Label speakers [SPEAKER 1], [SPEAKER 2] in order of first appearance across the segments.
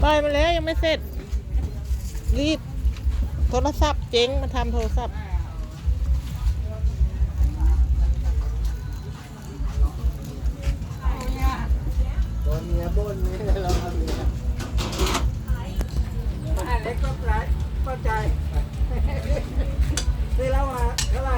[SPEAKER 1] ปล่อยมาแล้วยังไม่เสร็จรีบโทรศัพท์เจ๊งมาทำโทรศัพท์
[SPEAKER 2] ตัวเมียบ่นนี่เราเอาเมียเล็กก็ไรเข้าใจซื้อแล้วมาเท่าไหร่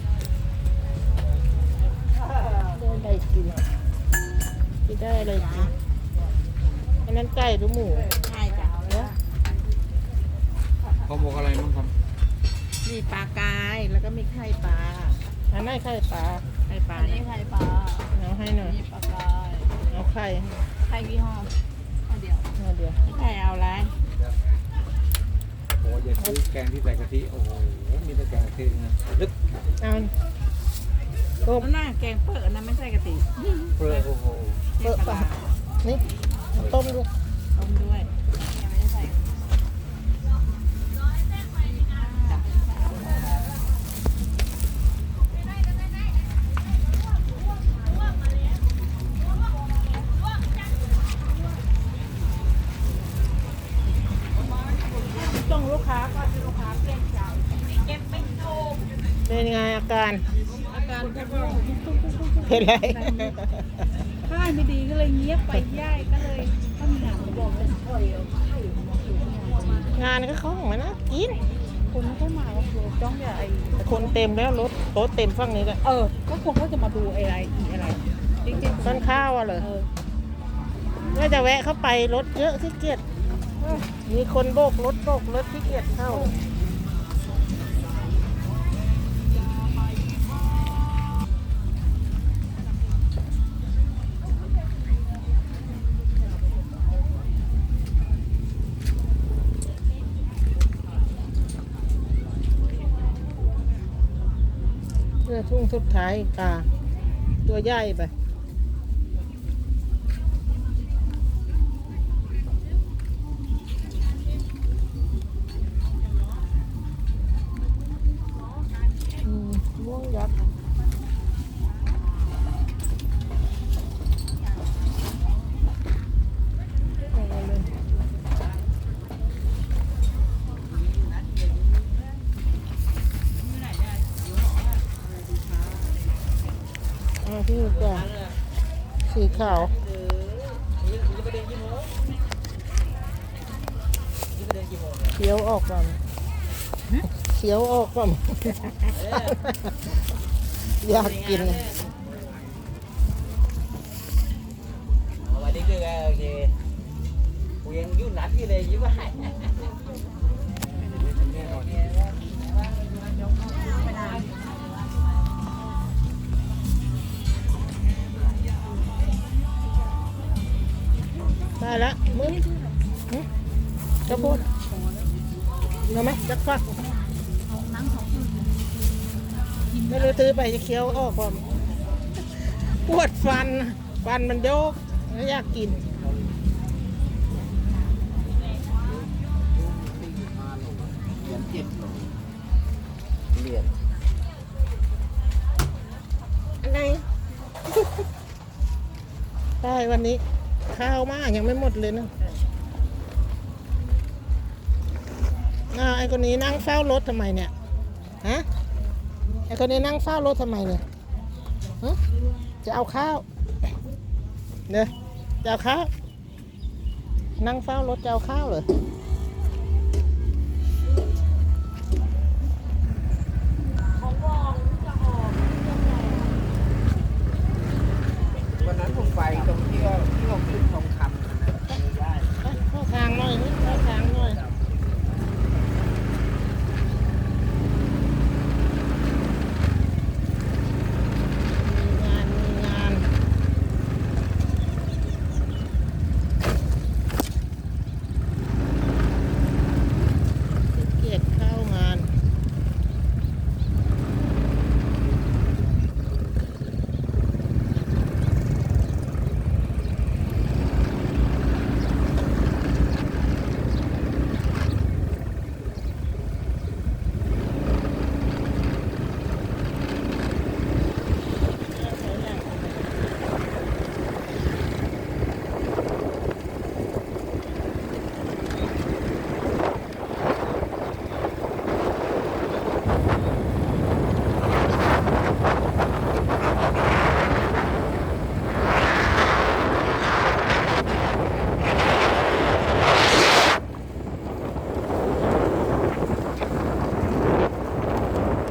[SPEAKER 1] ได้อะไรกินได้อะไรกินอันนั้นไก่หรือหมู
[SPEAKER 3] ใช่จ้ะ
[SPEAKER 1] เนี่ย
[SPEAKER 4] เขาบอกอะไรบ้างครับ
[SPEAKER 3] มีปลากายแล้วก็มีไข่ปลา
[SPEAKER 1] อันนั้นไข่ปลา
[SPEAKER 3] ไข่ปลา
[SPEAKER 5] อันนี้ไข่ปลา
[SPEAKER 1] เอาให้หน่อย
[SPEAKER 5] นี่ปลากาย
[SPEAKER 1] เอาไข่
[SPEAKER 5] ไข่กี่ห่อห่อเดียว
[SPEAKER 1] เอาเดี๋ยว
[SPEAKER 3] ไข่เอาอะไร
[SPEAKER 4] โอ้ยอย่าซื้อแกงที่ใส่กะทิโอ้โหมีแต่แกงกะทินะลึก
[SPEAKER 1] เอาต้ม
[SPEAKER 3] นั่นน่ะแกงเปิดนะไม่ใช่กะทิ
[SPEAKER 4] เปลือกโอ้โห
[SPEAKER 3] แกงปลา
[SPEAKER 1] นี่ต้มด้วย
[SPEAKER 3] ต้มด้วย
[SPEAKER 5] ยังไม่ได้ใส่
[SPEAKER 3] ต้องลูกค้าก่อนลูกค้าเปลี่ยนใจ
[SPEAKER 1] เป็นไงอาการ
[SPEAKER 3] อาการก็
[SPEAKER 1] เป็นไร
[SPEAKER 5] ค่ายไม่ดีก็เลยเงียบไปย่ายก็เลยต้องมีงานบอกเป็นคอยเอาไข่
[SPEAKER 1] งานก็เขาของมันนะกิน
[SPEAKER 5] คนไม่ค่อยมาก็คือจ้องอย่าไอ
[SPEAKER 1] แต่คนเต็มแล้วรถโต๊ะเต็มฝั่งนี้แหละ
[SPEAKER 5] ก็คงเขาจะมาดูอะไรอีอะไร จริงๆ
[SPEAKER 1] ต้นข้าวอ่ะเหรอว่าจะแวะเข้าไปรถเยอะขี้เกียจมีคนโบกรถขี้เกียจเข้าเพื่อทุ่งสุดท้ายปลาตัวใหญ่ไปม่วงยักษ์เอาเลยเอาที่ก่อนสีขาวเขียวออกก่อนเขียวออกก่อนอยากกิน
[SPEAKER 2] วันนี้คือโอเคกูยังยุ่งหนักอยู่เลยยิ่งว่า
[SPEAKER 4] แน่นอน
[SPEAKER 1] ได้แล้วมึงจะพูดเอาไหมจักฟักไม่รู้ซื้อไปจะเคี้ยวออกก่อนปวดฟันมันโยกไม่อยากกิน
[SPEAKER 2] เหรียญ
[SPEAKER 1] อันไหน ได้วันนี้ข้าวมากยังไม่หมดเลยนะไอ้คนนี้นั่งเฝ้ารถทำไมเนี่ยฮะไอ้คนนี้นั่งเฝ้ารถทำไมเนี่ยฮะจะเอาข้าวเนี่ยจะเอาข้าวนั่งเฝ้ารถจะเอาข้าวเหรอ
[SPEAKER 2] วันนั้นผมไปตรงที่